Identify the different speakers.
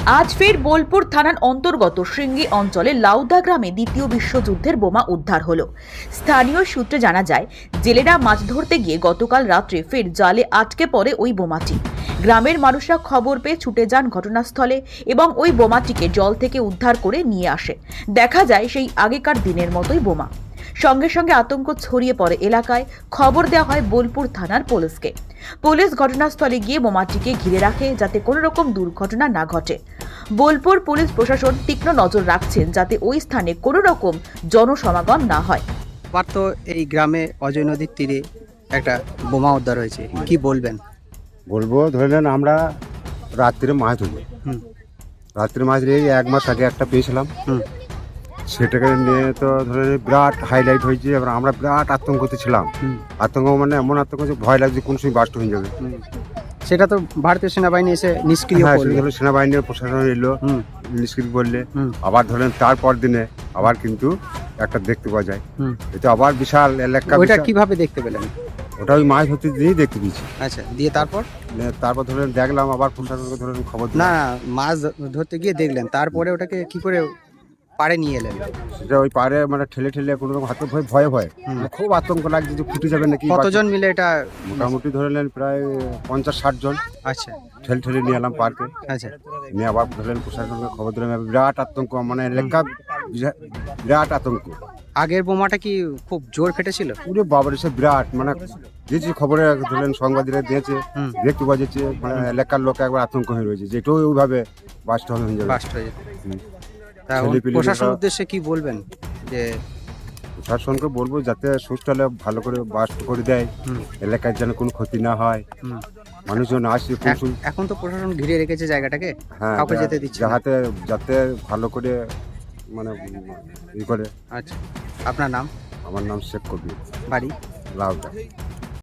Speaker 1: আজ ফের বোলপুর থানার অন্তর্গত শৃঙ্গী অঞ্চলে লাউদা গ্রামে দ্বিতীয় বিশ্বযুদ্ধের বোমা উদ্ধার হলো। স্থানীয় সূত্রে জানা যায়, জেলেরা মাছ ধরতে গিয়ে গতকাল রাত্রে ফের জালে আটকে পড়ে ওই বোমাটি। গ্রামের মানুষরা খবর পেয়ে ছুটে যান ঘটনাস্থলে এবং ওই বোমাটিকে জল থেকে উদ্ধার করে নিয়ে আসে। দেখা যায় সেই আগেকার দিনের মতোই বোমা। সঙ্গে সঙ্গে আতঙ্ক ছড়িয়ে পড়ে এলাকায়। খবর দেওয়া হয় বোলপুর থানার পুলিশকে। পুলিশ ঘটনাস্থলে গিয়ে বোমাটিকে ঘিরে রাখে যাতে কোনো রকম দুর্ঘটনা না ঘটে। বোলপুর পুলিশ প্রশাসন তীক্ষ্ণ নজর রাখছেন যাতে ওই স্থানে কোনো রকম জনসমাগম না হয়।
Speaker 2: আবার তো এই গ্রামে অজয় নদীর তীরে একটা বোমা উদ্ধার হয়েছে, কি বলবেন?
Speaker 3: বলবো, ধরে নেন আমরা রাত্রে মাছ ধরি।
Speaker 2: হুম
Speaker 3: রাত্রে মাছ ধরে এই 1 মাস আগে একটা পেয়েছিলাম।
Speaker 2: হুম
Speaker 3: সেটাকে নিয়ে তো ধরে নিন বিরাট হাইলাইট হয়েছে। এবার আমরা বিরাট আতঙ্কতে ছিলাম।
Speaker 2: হুম
Speaker 3: আতঙ্ক মানে এমন আতঙ্ক যে ভয় লাগছে কোন সময় বাস্ট হয়ে যাবে।
Speaker 2: হুম। সেটা তো ভারতীয় সেনাবাহিনী এসে নিষ্ক্রিয়
Speaker 3: হ্যাঁ,
Speaker 2: করলো।
Speaker 3: সেগুলো সেনাবাহিনীর প্রশাসন এলো,
Speaker 2: হুম
Speaker 3: নিষ্ক্রিয় করলে।
Speaker 2: হুম
Speaker 3: আবার ধরেন তারপর দিনে আবার কিন্তু একটা দেখতে পাওয়া যায়।
Speaker 2: হুম।
Speaker 3: এটা আবার বিশাল এলাকা।
Speaker 2: ওইটা কিভাবে দেখতে পেলেন?
Speaker 3: ওটা ওই মাছ ধরতে দিয়েই দেখতে পেয়েছি।
Speaker 2: আচ্ছা, দিয়ে তারপর?
Speaker 3: তারপর ধরেন দেখলাম, আবার প্রশাসনকে ধরেন খবর
Speaker 2: না,
Speaker 3: দিলাম।
Speaker 2: মাছ ধরতে গিয়ে দেখলেন, তারপরে ওটাকে কি করে পাড়ে নিয়ে এলেন?
Speaker 3: সেটা ওই পারে মানে ঠেলে ঠেলে কোনো রকম হাতে ভয়ে ভয়ে
Speaker 2: হুম।
Speaker 3: খুব আতঙ্ক লাগছে যে ফুটে যাবে নাকি।
Speaker 2: কতজন মিলে এটা?
Speaker 3: মোটামুটি ধরে নেন প্রায় 50-60 জন
Speaker 2: আচ্ছা
Speaker 3: ঠেলে ঠেলে নিয়ে এলাম পার্কে।
Speaker 2: আচ্ছা।
Speaker 3: নিয়ে আবার ধরলেন প্রশাসনকে খবর দিলাম। এবার বিরাট আতঙ্ক, মানে এলাকা বিরাট আতঙ্ক।
Speaker 2: আগের বোমাটা কি খুব জোর ফেটেছিল?
Speaker 3: পুরো বাবার এসে বিরাট মানে দিয়েছে খবরে, ধরলেন সাংবাদিকরা দিয়েছে,
Speaker 2: হুম।
Speaker 3: দেখতে পাওয়া যাচ্ছে। মানে এলাকার লোক একবার আতঙ্ক হয়ে রয়েছে যে এটাও ওইভাবে বাস্ট হয়ে যাবে।
Speaker 2: বাস্ট হয়ে যেত।
Speaker 3: হুম।
Speaker 2: তা
Speaker 3: ছেলেপিলেরা-
Speaker 2: প্রশাসন উদ্দেশ্যে কি বলবেন? যে
Speaker 3: প্রশাসনকে বলবো যাতে সুস্থ হলে ভালো করে বাস্ট করে দেয়,
Speaker 2: হুম
Speaker 3: এলাকার যেন কোনো ক্ষতি না হয়,
Speaker 2: হুম।
Speaker 3: মানুষজন আসে কোন সময়।
Speaker 2: এখন তো প্রশাসন ঘিরে রেখেছে জায়গাটাকে,
Speaker 3: হ্যাঁ,
Speaker 2: কাউকে যেতে দিচ্ছে না।
Speaker 3: যাতে ভালো করে মানে ই করে।
Speaker 2: আচ্ছা, আপনার নাম?
Speaker 3: আমার নাম শেখ কবির,
Speaker 2: বাড়ি?
Speaker 3: লাউদা।